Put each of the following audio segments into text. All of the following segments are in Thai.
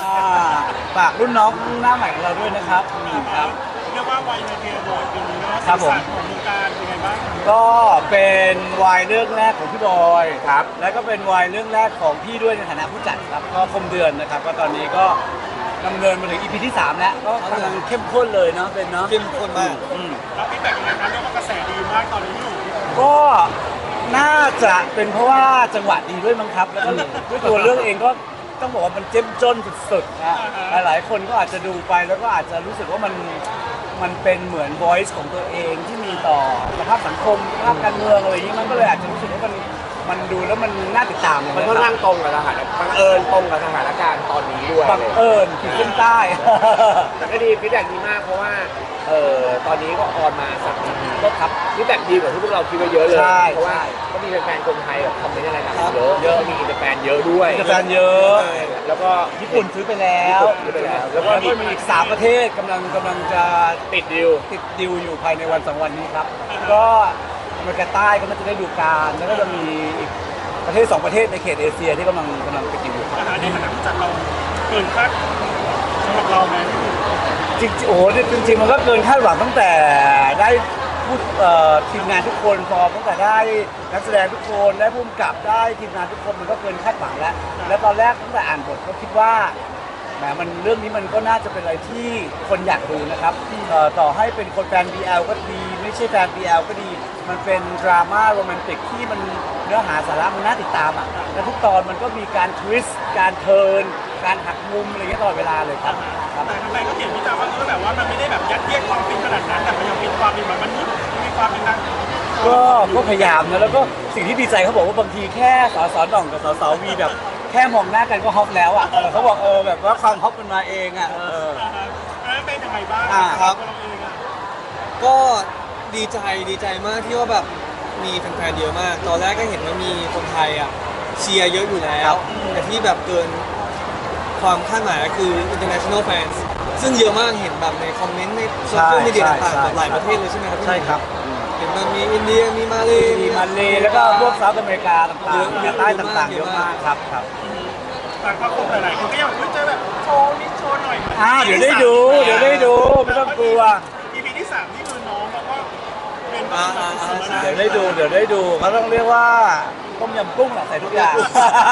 ฝากรุ่นน้องหน้าใหม่ของเราด้วยนะครับครับเรียกว่าวัยในเทโบยปีนี้นะครับผมของวงการเป็นไงบ้างก็เป็นวายเรื่องแรกของพี่บอยครับแล้วก็เป็นวายเรื่องแรกของพี่ด้วยในฐานะผู้จัดครับก็คมเดือนนะครับก็ตอนนี้ก็ดำเนินมาถึง EP ที่ 3 แล้วก็กำลังเข้มข้นเลยเนาะเป็นเนาะเข้มข้นมากแล้วฟีดแบ็กยังไงครับเรียกว่ากระแสดีมากตอนนี้อยู่ก็น่าจะเป็นเพราะว่าจังหวะดีด้วยมั้งครับแล้วก็ด้วยตัวเรื่องเองก็ต้องบอกว่ามันเจ้มจนสุดๆนะหลายๆคนก็อาจจะดูไปแล้วก็อาจจะรู้สึกว่ามันเป็นเหมือน voice ของตัวเองที่มีต่อสภาพสังคมสภาพการเมืองอะไรอย่างนี้มันก็เลยอาจจะรู้สึกว่ามันดูแล้วมันน่าติดตามมันค่อนข้างตรงกับสถานบังเอิญตรงกับสถานการณ์ตอนนี้ด้วยบังเอิญขีดเส้นใต้แต่ก็ดีฟีดแบ็กดีมากเพราะว่าตอนนี้ก็ออนมาสักก็ครับฟีดแบ็กดีกว่าที่พวกเราคิดไว้เยอะเลยเพราะว่าก็มีแฟนๆคนไทยแบบคอมเมนต์อะไรกันเยอะมีอินเตอร์แฟนเยอะด้วยอินเตอร์แฟนเยอะแล้วก็ญี่ปุ่นซื้อไปแล้วแล้วก็มีอีก3ประเทศกำลังจะติดดิวอยู่ภายในวัน2 วันนี้ครับก็อเมริกาใต้ก็น่าจะได้ดูการแล้วก็จะมีอีกประเทศ2 ประเทศในเขตเอเชียที่กำลังไปดิวอยู่ในฐานะผู้จัดเราเกินคาดสำหรับเราไหมจริงโอ้โหจริงๆมันก็เกินคาดหวังตั้งแต่ได้พูดทีมงานทุกคนพอตั้งแต่ได้นักแสดงทุกคนได้ผู้กำกับได้ทีมงานทุกคนมันก็เกินคาดหวังแล้วตอนแรกตั้งแต่อ่านบทก็คิดว่าแหมมันเรื่องนี้มันก็น่าจะเป็นอะไรที่คนอยากดูนะครับต่อให้เป็นคนแฟน BL ก็ดีไม่ใช่แฟน BL ก็ดีมันเป็นดราม่าโรแมนติกที่มันเนื้อหาสาระมันน่าติดตามอ่ะและทุกตอนมันก็มีการทวิสต์การเทิร์นการหักมุมอะไรเงี้ยตลอดเวลาเลยครับแต่ทำไมก็เขียนวิจารณ์ว่าแบบว่ามันไม่ได้แบบยัดเยียดความฟินขนาดนั้นแต่มันยังมีความเป็นแบบมนุษย์มีความเป็นนักก็พยายามนะแล้วก็สิ่งที่ดีใจเขาบอกว่าบางทีแค่สหน่องกับสวีแบบแค่มองหน้ากันก็ฮอปแล้วอ่ะเขาบอกแบบว่าความฮอปมันมาเองอ่ะแล้วเป็นยังไงบ้างครับก็ดีใจมากที่ว่าแบบมีแฟนๆเยอะมากตอนแรกก็เห็นว่ามีคนไทยอ่ะเชียร์เยอะอยู่แล้วแต่ที่แบบเกินความคาดหมายก็คือ international fans ซึ่งเยอะมากเห็นแบบในคอมเมนต์ในโซเชียลมีเดียต่างๆหลายประเทศเลยใช่ไหมครับใช่ครับเห็นมันมีอินเดียมีมาเลแล้วก็พวกเซาท์อเมริกาต่างๆใต้ต่างๆเยอะมากครับแต่ก็คงหลายๆคนก็อยากเจอแบบโชว์นิดโชว์หน่อยเดี๋ยวได้ดูไม่ต้องกลัว EP ที่ 3นี่คือน้องแล้วก็เป็นเดี๋ยวได้ดูเขาต้องเรียกว่าต้มยำกุ้งแหละใส่ทุกอย่าง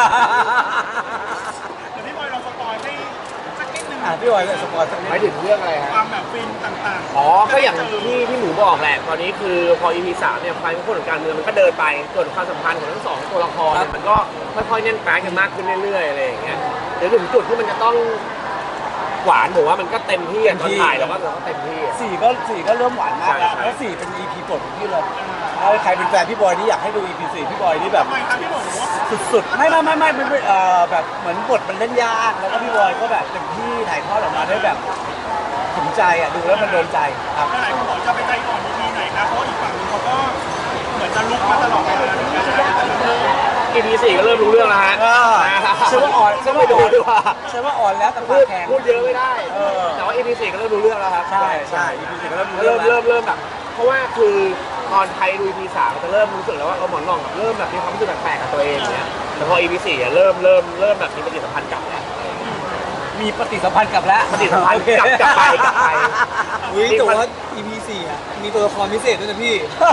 แต่พี่บอยเราสปอยให้สักนิดนึงพี่บอยสปอยสักนิดหมายถึงเรื่องอะไรฮะความแบบฟินต่างๆก็อย่างที่หนูบอกแหละตอนนี้คือพอ EP 3เนี่ยความเข้มข้นของการเมืองมันก็เดินไปส่วนความสัมพันธ์ของทั้งสองตัวละครเนี่ยมันก็ค่อยๆแน่นแฟ้งกันมากขึ้นเรื่อยๆอะไรอย่างเงี้ยเดี๋ยวถึงจุดที่มันจะต้องหวานผมว่ามันก็เต็มที่ตอนถ่ายแล้วก็เต็มที่ 4ก็เริ่มหวานมากแล้ว4เป็น EP โปรดของพี่เลยแล้วใครเป็นแฟนพี่บอยนี่อยากให้ดู EP 4พี่บอยนี่แบบสุดๆไม่แบบเหมือนบทมันเล่นยากแล้วก็พี่บอยก็แบบเต็มที่ถ่ายทอดออกมาได้แบบถึงใจดูแล้วมันโดนใจครับหลายคนบอกจะไปใจก่อน EP ไหนนะเพราะอีกฝั่งนึงเขาก็เหมือนจะลุกมาตลอดเวลา EP 4ก็เริ่มรู้เรื่องแล้วฮะใช่ว่าอ่อนใช่ว่าอ่อนแล้วแต่ปากแข็งพูดเยอะไม่ได้แต่ว่า EP 4ก็เริ่มรู้เรื่องแล้วครับใช่ EP 4ก็เริ่มแบบเพราะว่าคือตอนไทยดู EP 3จะเริ่มรู้สึกแล้วว่าหมอนรองเริ่มแบบมีความรู้สึกแปลกๆกับตัวเองเนี่ยแต่พอ EP 4เริ่มแบบมีปฏิสัมพันธ์กับแล้วมีปฏิสัมพันธ์กับแล้วปฏิสัมพันธ์กลับไปแต่ว่า EP 4มีตัวละครพิเศษด้วยนะพี่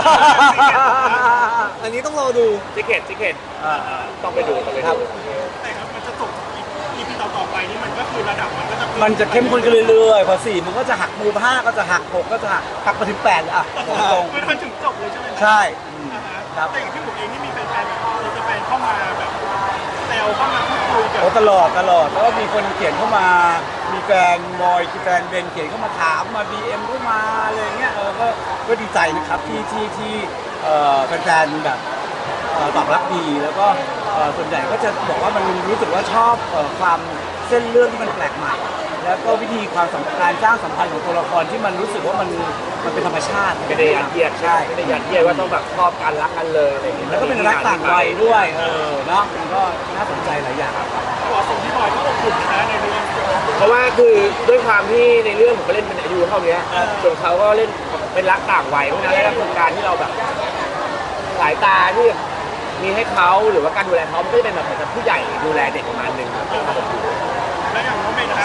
อันนี้ต้องรอดูซิกเก็ตต้องไปดูแต่ครับมันจะจบ EP ต่อไปนี่มันก็คือระดับมันจะเข้มข้นขึ้นเรื่อยๆพอ4มันก็จะหักมุม5ก็จะหัก6ก็จะหักไปถึง8อ่ะตรงมันถึงจบเลยใช่ไหมใช่ครับแต่อย่างที่ผมเองนี่มีแฟนแบบจะแฟนเข้ามาแบบแซวเข้ามาพูดคุยกันตลอดแล้วก็มีคนเขียนเข้ามามีแฟนบอยแฟนเบนเขียนเข้ามาถามมา BM เข้ามาอะไรเงี้ยก็ดีใจนะครับที่แฟนๆแบบตอบรับดีแล้วก็ส่วนใหญ่ก็จะบอกว่ามันรู้สึกว่าชอบความเส้นเรื่องที่มันแปลกใหม่แล้วก็วิธีการสร้างสัมพันธ์ของตัวละครที่มันรู้สึกว่ามันเป็นธรรมชาติไม่ได้ยัดเยียดใช่ไม่ได้ยัดเยียดว่าต้องแบบชอบกันรักกันเลยอะไรอย่างเงี้ยแล้วก็เป็นรักต่างวัยด้วยเนาะมันก็น่าสนใจหลายอย่างตัวส่งที่บอยก็อบอุ่นนะในเรื่องเพราะว่าคือด้วยความที่ในเรื่องผมก็เล่นเป็นอายุเท่านี้ส่วนเขาก็เล่นเป็นรักต่างวัยเพราะฉะนั้นแล้วโครงการที่เราแบบสายตาที่มีให้เขาหรือว่าการดูแลเขาไม่ได้เป็นแบบผู้ใหญ่ดูแลเด็กประมาณนึงแล้วอย่างน้องเมย์นะครับ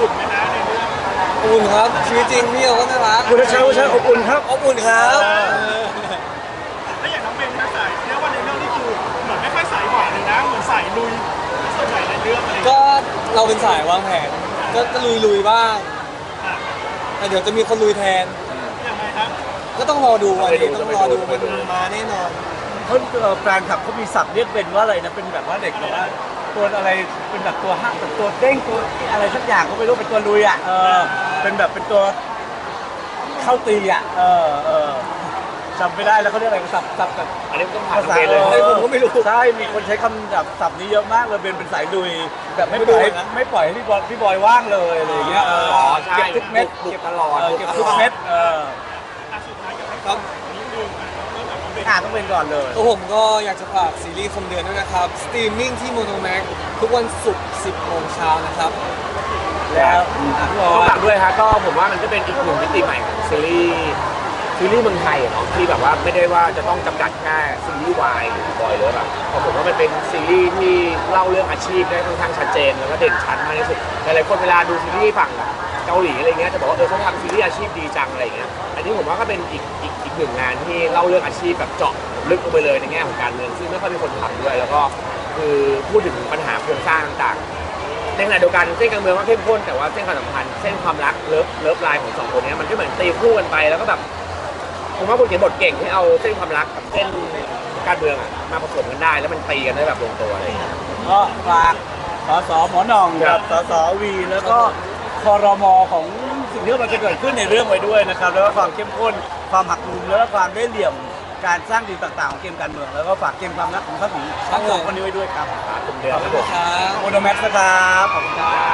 อุ่นไหมนะในเรื่องอบอุ่นครับชีวิตจริงพี่เขาก็น่ารักคุณชัยอบอุ่นครับอบอุ่นครับแล้วอย่างน้องเบนนะสายเรียกว่าในเรื่องนี่คือเหมือนไม่ค่อยสายหวานเลยนะเหมือนสายลุยส่วนใหญ่ในเรื่องอะไรอย่างเงี้ยก็เราเป็นสายวางแผนก็ลุยบ้างอ่ะแต่เดี๋ยวจะมีคนลุยแทนยังไงครับก็ต้องรอดูวันนี้ต้องรอดูมันมาแน่นอนเขาแฟนคลับเขามีศัพท์เรียกเบนว่าอะไรนะเป็นแบบว่าเด็กแบบว่าตัวอะไรเป็นแบบตัวห้างแบบตัวเด้งตัวอะไรสักอย่างก็ไม่รู้เป็นตัวลุยอ่ะเป็นแบบเป็นตัวเข้าตีอ่ะจำไม่ได้แล้วเขาเรียกอะไรศัพท์แบบอันนี้ต้องผ่านภาษาเบนเลยผมก็ไม่รู้ใช่มีคนใช้คำแบบศัพท์นี้เยอะมากเลยเบนเป็นสายลุยแบบไม่ปล่อยให้พี่บอยว่างเลยอะไรอย่างเงี้ยใช่เก็บทุกเม็ดบุกตลอดเก็บทุกเม็ดอ่ะสุดท้ายอยากให้ครับนิดนึงอ่ะเริ่มจากน้องเบนต้องเป็นก่อนเลยตัวผมก็อยากจะฝากซีรีส์คมเดือนด้วยนะครับ สตรีมมิ่งที่โมโนแม็กทุกวันศุกร์ 10 โมงเช้านะครับแล้วพี่บอต้องยฝากด้วยฮะก็ผมว่ามันก็เป็นอีกหนึ่งมิติใหม่ของซีรีส์เมืองไทยอะเนาะที่แบบว่าไม่ได้ว่าจะต้องจำกัดแค่ซีรีส์วายหรือบอยเลยแบบเพราะผมว่ามันเป็นซีรีส์ที่เล่าเรื่องอาชีพได้ค่อนข้างชัดเจนแล้วก็เด่นชัดมากที่สุดหลายๆคนเวลาดูซีรีส์ฝั่งเกาหลีอะไรเงี้ยจะบอกว่าเขาทำซีรีส์อาชีพดีจังอะไรเงี้ยอันนี้ผมว่าก็เป็นอีกหนึ่งงานที่เล่าเรื่องอาชีพแบบเจาะลึกลงไปเลยในแง่ของการเมืองซึ่งไม่ค่อยมีคนทำด้วยแล้วก็คือพูดถึงปัญหาโครงสร้างต่างๆในขณะเดียวกันเส้นการเมืองก็เข้มข้นแต่ว่าเส้นความสัมพันธ์เส้นความรักเลิฟไลน์ของสองคนนี้มันก็เหมือนตีคู่กันไปแล้วก็แบบผมว่าคนเขียนบทเก่งที่เอาเส้นความรักกับเส้นการเมืองอะมาผสมกันได้แล้วมันตีกันได้แบบลงตัวอะไรอย่างเงี้ยก็ฝากสหมอหน่องกับสวีแล้วก็ครมของสิ่งที่มันจะเกิดขึ้นในเรื่องไว้ด้วยนะครับแล้วก็ความเข้มข้นความหักมุมแล้วก็ความได้เหลี่ยมการสร้างดีลต่างๆของเกมการเมืองแล้วก็ฝากเกมความรักของทั้งสองคนนี้ไว้ด้วยครับคมเดือนขอบคคุรับณผมครับโมโนแม็กซ์นะครับขอบคุณครับ